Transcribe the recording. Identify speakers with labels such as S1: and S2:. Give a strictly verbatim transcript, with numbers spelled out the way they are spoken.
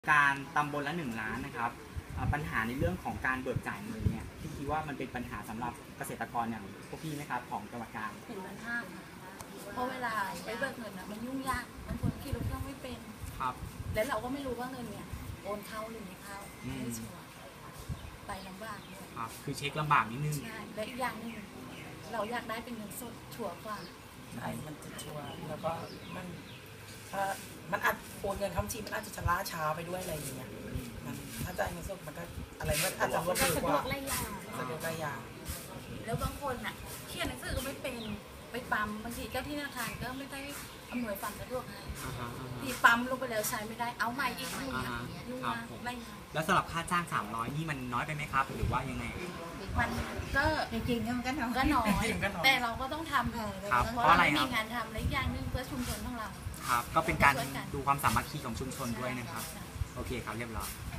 S1: การตำบลละหนึ่งล้านนะครับปัญหาในเรื่องของการเบิกจ่ายเงินเนี่ยพี่คิดว่ามันเป็นปัญหาสำหรับเกษตรกรอย่างพวกพี่ไหมครับของจังหวัดกาญ
S2: เห็นมันห้ามเพราะเวลาไปเบิกเงินอ่ะมันยุ่งยากบางคนขี่รถเครื่องไม่เป็น
S1: ครับ
S2: แล้วเราก็ไม่รู้ว่าเงินเนี่ยโอนเข้าหรือไม่เข้าไม่ชัวร์ไปลำบากเลย
S1: ครับคือเช็คลำบากนิดนึง
S2: ใช่และอีกอย่างนึงเราอยากได้เป็นเงินสดชัวร์กว่า
S3: ใช่มันจะชัวร์แล้วก็มันถ้ามันอาจโอนเงินเข้าบัญชีมันอาจจะล่าช้าไปด้วยอะไรอย่างเงี้ยมันถ้าจ่ายเงินสดมันก็อะไรมันอาจจะรวดเร็วกว่า
S2: สะดวกไล่ยา
S3: สะดวกไล่ยา
S2: แล้วบางคนอ่ะเขียนหนังสือก็ไม่เป็นไปปั๊มบางทีเจ้าที่ธนาคารก็ไม่ได้อำนวยความสะดวกให้ที่ปั๊มลงไปแล้วใช้ไม่ได้เอาใหม่อีกยุ่งยากยุ่งยากไล่ยา
S1: แล้วสำหรับค่าจ้างสามร้อยนี่มันน้อยไปไหมครับหรือว่ายังไง
S2: มันก็
S4: จริงๆมันก็น้อย
S2: ก็น้อยแต่เราก็ต้องทำเพราะเรามีงานทำและอย่างนึงเพื่อชุมชนของเรา
S1: ครับก็เป็นการดูความสามัคคีของชุมชนด้วยนะครับโอเคครับเรียบร้อย